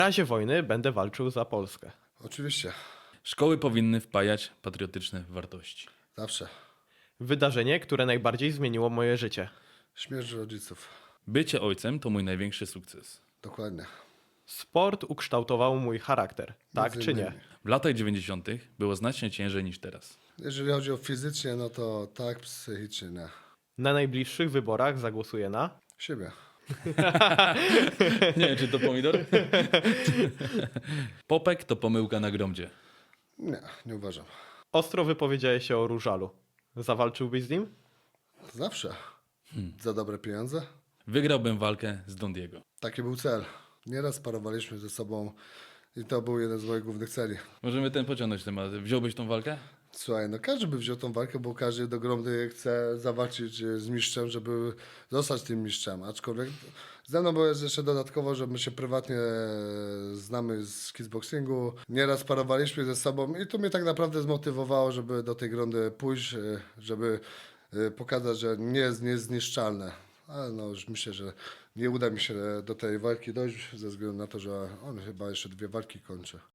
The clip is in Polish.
razie wojny będę walczył za Polskę. Oczywiście, Szkoły powinny wpajać patriotyczne wartości. zawsze. Wydarzenie, które najbardziej zmieniło moje życie. Śmierć rodziców. Bycie ojcem to mój największy sukces. Dokładnie. Sport ukształtował mój charakter. Tak Między czy nie? innymi. W latach 90. było znacznie ciężej niż teraz. Jeżeli chodzi o fizycznie, no to tak, psychicznie nie. Na najbliższych wyborach zagłosuję na... Siebie. Nie wiem, czy to pomidor? Popek to pomyłka na gromdzie. Nie, nie uważam. Ostro wypowiedziałeś się o Różalu. Zawalczyłbyś z nim? Zawsze. Za dobre pieniądze. Wygrałbym walkę z Don Diego. Taki był cel. Nieraz parowaliśmy ze sobą i to był jeden z moich głównych celi. Możemy pociągnąć temat. Wziąłbyś tą walkę? Słuchaj, no każdy by wziął tą walkę, bo każdy do gromady chce zawalczyć z mistrzem, żeby zostać tym mistrzem. Aczkolwiek ze mną było jeszcze dodatkowo, że my się prywatnie znamy z kickboxingu. Nieraz parowaliśmy ze sobą i to mnie tak naprawdę zmotywowało, żeby do tej grondy pójść, żeby pokazać, że nie jest niezniszczalne. Ale no już myślę, że nie uda mi się do tej walki dojść ze względu na to, że on chyba jeszcze 2 walki kończy.